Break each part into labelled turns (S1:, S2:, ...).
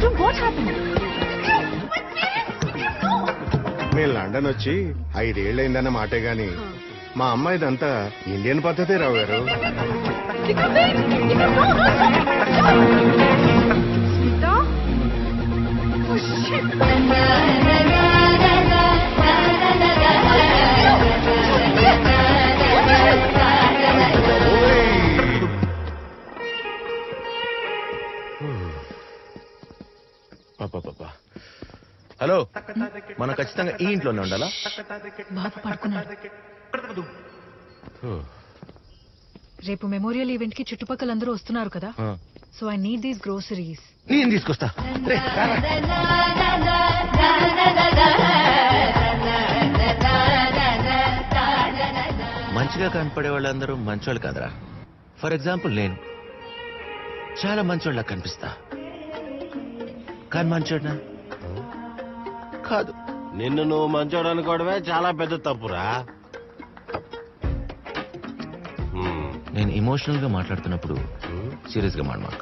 S1: మేము లండన్ వచ్చి 5 ఏళ్ళైందన్న మాటే గాని మా అమ్మాయిదంతా ఇండియన్ పద్ధతే రావు గారు.
S2: హలో, మనం ఖచ్చితంగా ఈ ఇంట్లోనే ఉండాలా?
S3: బాబు పడుకున్నాడు. రేపు మెమోరియల్ ఈవెంట్ కి చుట్టుపక్కలందరూ వస్తున్నారు కదా, so I need these groceries.
S2: నేను తీసుకొస్తా. మంచిగా కనపడే వాళ్ళందరూ మంచోళ్ళు కాదరా. ఫర్ ఎగ్జాంపుల్ నేను చాలా మంచోళ్ళ కనిపిస్తా, కానీ మంచోడ్నా కాదు.
S4: నిన్ను నువ్వు మంచోడు అనుకోవడమే చాలా పెద్ద తప్పురా.
S2: నేను ఎమోషనల్ గా మాట్లాడుతున్నప్పుడు సీరియస్ గా మాట్లాడమాక.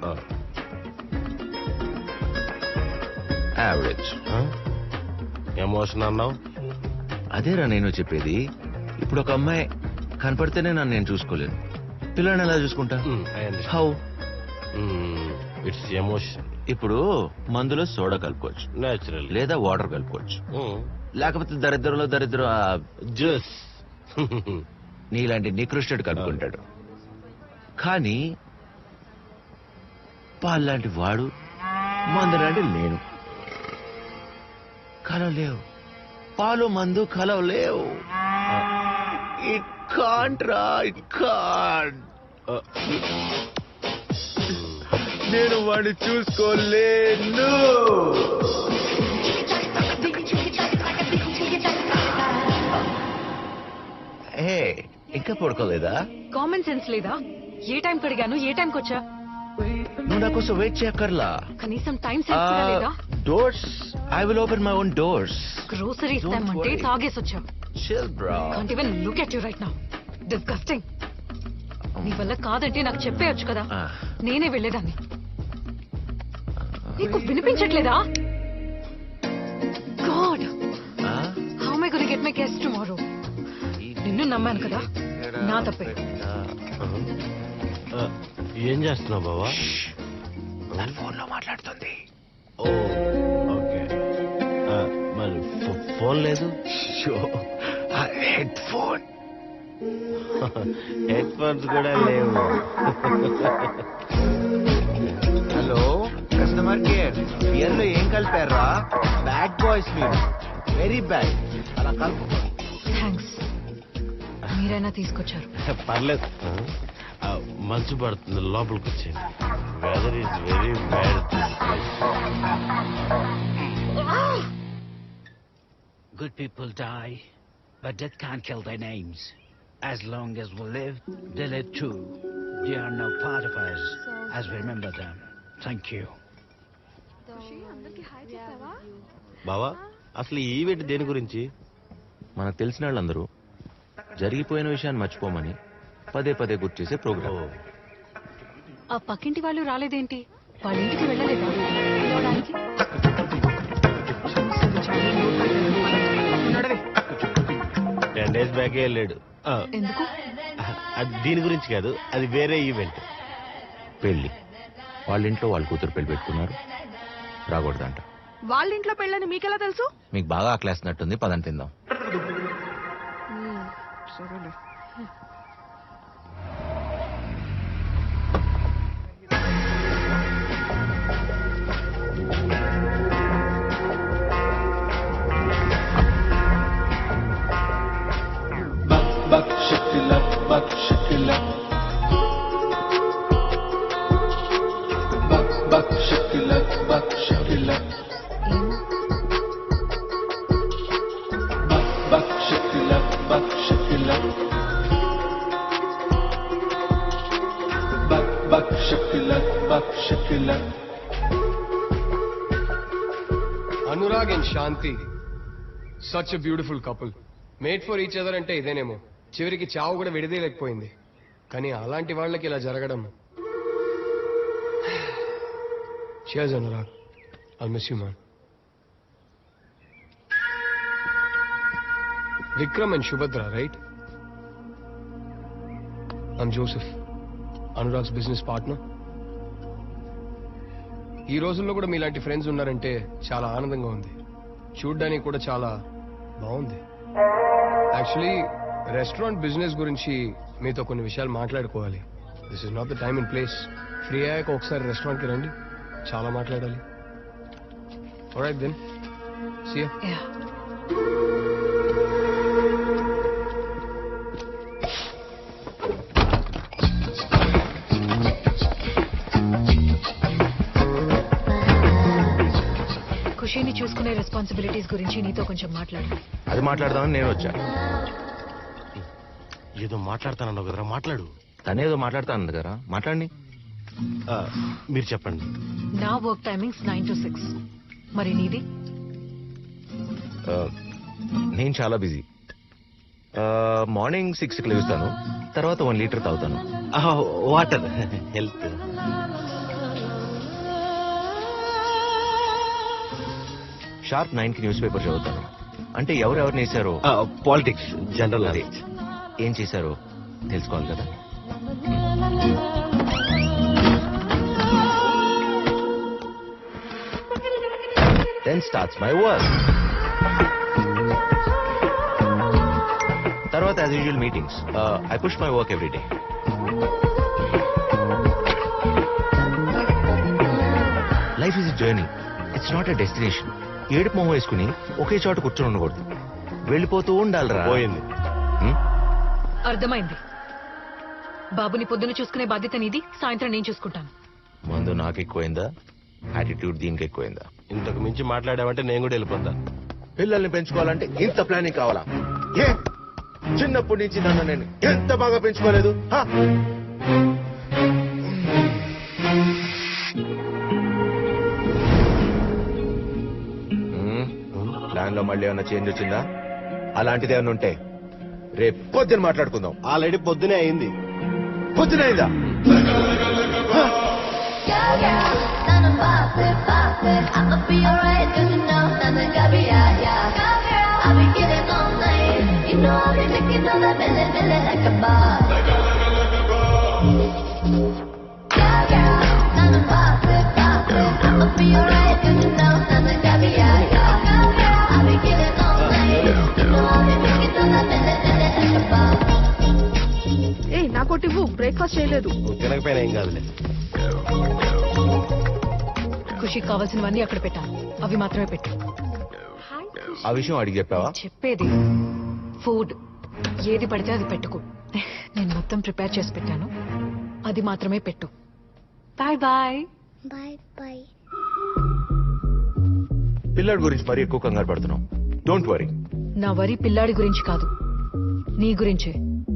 S2: యావరేజ్
S4: ఎమోషన్ అన్నావు?
S2: అదేరా నేను చెప్పేది. ఇప్పుడు ఒక అమ్మాయి కనపడితేనే నన్ను నేను చూసుకోలేను, పిల్లని ఎలా చూసుకుంటా? హౌ?
S4: It's emotion.
S2: ఇప్పుడు మందులో సోడా కలుపుకోవచ్చు,
S4: నేచురల్,
S2: లేదా వాటర్ కలుపుకోవచ్చు, లేకపోతే దరిద్రంలో
S4: జ్యూస్
S2: నీలాంటి నికృష్టుడు కలుపుకుంటాడు. కానీ పాలు లాంటి వాడు, మందు లాంటి నేను కలవలేవు. పాలు మందు కలవలేవు. ఇట్ కాంట్ రా, ఇట్ కాంట్. నేను వాడిని చూసుకోలేను. ఇంకా పడుకోలేదా?
S3: కామన్ సెన్స్ లేదా? ఏ టైం కడిగాను, ఏ టైంకి వచ్చా?
S2: నువ్వు నా కోసం వెయిట్ చేయక్కర్లా.
S3: కనీసం టైం సెన్స్ కూడా లేదా?
S2: Doors, I will open my own doors.
S3: Groceries తెమ్మంటే తాగేసి వచ్చా.
S2: Chill bro.
S3: Can't even look at you right now. Disgusting. నీ వల్ల కాదంటే నాకు చెప్పేయొచ్చు కదా, నేనే వెళ్ళేదాన్ని. నీకు వినిపించట్లేదా? God, how am I going to get my guests tomorrow? నిన్ను నమ్మాను కదా, నా తప్పే.
S4: ఏం చేస్తున్నావు బావా?
S2: ఫోన్ లో మాట్లాడుతుంది.
S4: ఓకే, మరి ఫోన్ లేదు?
S2: Head phone.
S4: హెడ్ ఫోన్స్ కూడా లేవు.
S2: హలో కస్టమర్ కేర్, బియర్ లో ఏం కలిపారా? బ్యాడ్ బాయ్స్ మీరు, వెరీ బ్యాడ్. అలా కలుపు.
S3: థ్యాంక్స్, మీరైనా తీసుకొచ్చారు.
S4: పర్లేదు, మంచు పడుతుంది, లోపలికి వచ్చేది. Weather is very bad.
S5: Good people die, but death can't kill their names. As long as we live, they live too. They are now part of us, as we remember them. Thank you.
S4: బావా, అసలు ఈ event దేని గురించి?
S2: మనకు తెలిసిన వాళ్ళందరూ జరిగిపోయిన విషయాన్ని మర్చిపోమని పదే పదే గుర్తు చేసే ప్రోగ్రామ్.
S3: ఆ పక్కింటి వాళ్ళు రాలేదేంటి? వాళ్ళ ఇంటికి వెళ్ళలేదా పిలవడానికి?
S4: 10 days బ్యాకే వెళ్ళాడు.
S3: ఎందుకు?
S4: అది దీని గురించి కాదు, అది వేరే ఈవెంట్.
S2: పెళ్లి. వాళ్ళ ఇంట్లో వాళ్ళ కూతురు పెళ్లి పెట్టుకున్నారు, రాకూడదంట.
S6: వాళ్ళ ఇంట్లో పెళ్ళని మీకెలా తెలుసు?
S2: మీకు బాగా ఆకలేస్తున్నట్టుంది, పదని తిందాం.
S6: సరేలే.
S7: Buck shakila, buck shakila. Buck shakila, buck shakila. Buck shakila, buck shakila. Buck shakila, buck shakila.
S8: Anurag and Shanti, such a beautiful couple. Made for each other అంటే ఇదేనేమో. చివరికి చావు కూడా విడదీయలేకపోయింది. కానీ అలాంటి వాళ్ళకి ఇలా జరగడం. Cheers, Anurag. I'll miss you, man. Vikram and Shubhadra, right? I'm Joseph, Anurag's business partner. ఈ రోజుల్లో కూడా మీలాంటి ఫ్రెండ్స్ ఉన్నారంటే చాలా ఆనందంగా ఉంది. చూడ్డానికి కూడా చాలా బాగుంది. యాక్చువల్లీ రెస్టారెంట్ బిజినెస్ గురించి మీతో కొన్ని విషయాలు మాట్లాడుకోవాలి. This is not the time and place. Free అయ్యాక ఒకసారి రెస్టారెంట్కి రండి, చాలా మాట్లాడాలి. Alright then, see you.
S3: Yeah. ఖుషీని చూసుకునే రెస్పాన్సిబిలిటీస్ గురించి నీతో కొంచెం మాట్లాడు.
S1: అది మాట్లాడదామని నేను వచ్చా.
S4: ఏదో మాట్లాడతానన్నావు కదరా, మాట్లాడు.
S1: తనేదో మాట్లాడతాను కదా, మాట్లాడండి.
S4: మీరు చెప్పండి.
S3: నా వర్క్ టైమింగ్స్ 9 to 6. మరి నీది?
S9: నేను చాలా బిజీ. మార్నింగ్ 6కి లేస్తాను, తర్వాత 1 లీటర్ తాగుతాను.
S4: Water, health.
S9: షార్ప్ 9కి న్యూస్ పేపర్ చదువుతాను. అంటే ఎవరెవరిని వేశారో,
S4: పాలిటిక్స్, జనరల్
S9: అదే
S4: నాలెడ్జ్.
S9: ఏం చేశారో తెలుసుకోవాలి కదా. Then starts my work. తర్వాత as usual meetings. I push my work every day. Life is a journey. It's not a destination. ఏడుపు మొహం వేసుకుని ఒకే చోట కూర్చొని ఉండకూడదు, వెళ్ళిపోతూ ఉండాలిరా.
S4: పోయింది.
S3: అర్థమైంది. బాబుని పొద్దున చూసుకునే బాధ్యత నీది, సాయంత్రం నేను చూసుకుంటాను.
S9: మందు నాకు ఎక్కువైందా, యాటిట్యూడ్ దీనికి ఎక్కువైందా?
S4: ఇంతకు మించి మాట్లాడామంటే నేను కూడా వెళ్ళిపోతా.
S9: పిల్లల్ని పెంచుకోవాలంటే ఇంత ప్లానింగ్ కావాలా? ఏ చిన్నప్పటి నుంచి నన్ను నేను ఎంత బాగా పెంచుకోలేదు. ప్లాన్ లో మళ్ళీ ఏమన్నా చేంజ్ వచ్చిందా? అలాంటిది ఏమన్నా ఉంటే రేపు పొద్దున మాట్లాడుకుందాం.
S4: ఆల్రెడీ పొద్దునే అయింది.
S9: పొద్దునైందా?
S6: ఏ నాకోటివ్వు, బ్రేక్ఫాస్ట్ చేయలేదు.
S4: తినకపోయినా ఏం కాదులే.
S3: ఖుషికి కావాల్సినవన్నీ అక్కడ పెట్టాను, అవి మాత్రమే పెట్టు.
S9: ఆ విషయం అడిగి చెప్పావా?
S3: చెప్పేది ఫుడ్ ఏది పడితే అది పెట్టుకో. నేను మొత్తం ప్రిపేర్ చేసి పెట్టాను, అది మాత్రమే పెట్టు. Bye bye.
S10: Bye bye.
S9: పిల్లడి గురించి మరీ ఎక్కువ కంగారు పడుతున్నావు. Don't worry.
S3: నా వరి పిల్లాడి గురించి కాదు, నీ గురించే.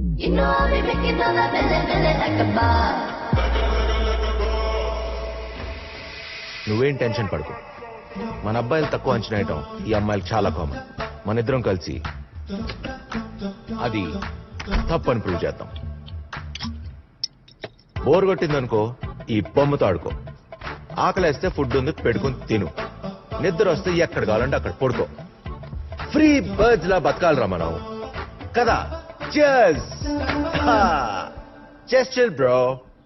S9: నువ్వేం టెన్షన్ పడుకో. మన అబ్బాయిలు తక్కువ అంచనా వేయటం ఈ అమ్మాయిలకు చాలా కామన్. మన ఇద్దరం కలిసి అది తప్పని ప్రూవ్ చేద్దాం. బోర్ కొట్టిందనుకో ఈ బొమ్మతో ఆడుకో. ఆకలేస్తే ఫుడ్ ఉంది పెట్టుకుని తిను. నిద్ర వస్తే ఎక్కడ కావాలంటే అక్కడ పడుకో. ఫ్రీ బర్డ్స్ లా బతకాలరా మనం కదా. Cheers. Just chill, bro.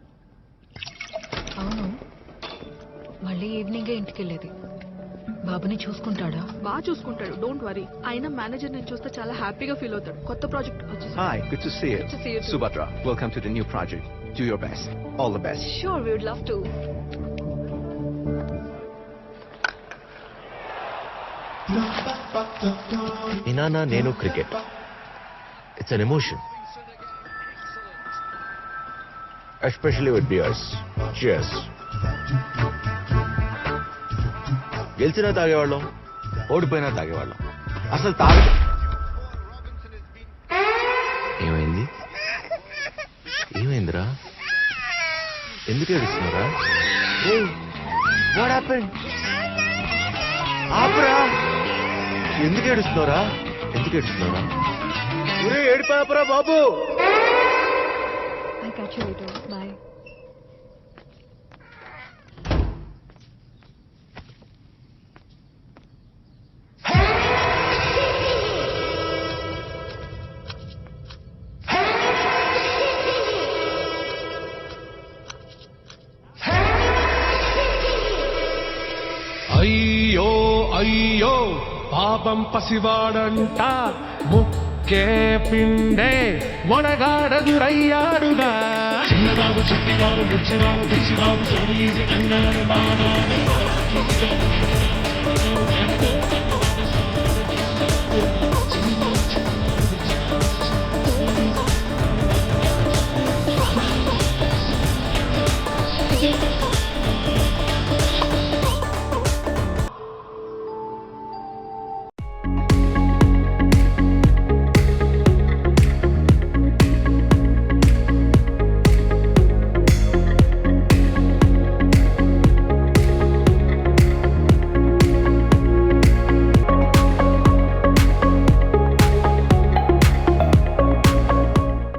S3: అవును, మళ్ళీ ఈవినింగే ఇంటికి వెళ్ళేది. బాబుని చూసుకుంటాడా?
S6: బాగా చూసుకుంటాడు, డోంట్ వరీ. అయినా మేనేజర్ నేను చూస్తే చాలా హ్యాపీగా ఫీల్ అవుతాడు. కొత్త ప్రాజెక్ట్ వచ్చేసి.
S11: Hi, good to see you.
S6: Good to see you too.
S11: Subhadra, welcome to the new project. Do your best. All the best.
S6: Sure, we would love to.
S9: మీ నాన్న నేను cricket. It's an emotion, especially with beers. Cheers. గెలిచినా తాగేవాళ్ళం, ఓడిపోయినా తాగేవాళ్ళం. అసలు ఏమైంది? ఏమైందిరా? ఎందుకు ఏడుస్తున్నారా? What happened? ఆపరా! ఎందుకు ఏడుస్తున్నారా? ఎందుకు ఏడుస్తున్నారా? ఏడిపోయాపరా బాబు.
S3: I catch you later. Bye.
S7: అయ్యో అయ్యో పాపం పసివాడంట ముక్కే పిండే వడగాడదురయ్యాడుగా చిన్నబాబు చిట్టిబాబు బుచ్చిబాబు పిచ్చిబాబు సో ఈజీ అన్నాడు బాబా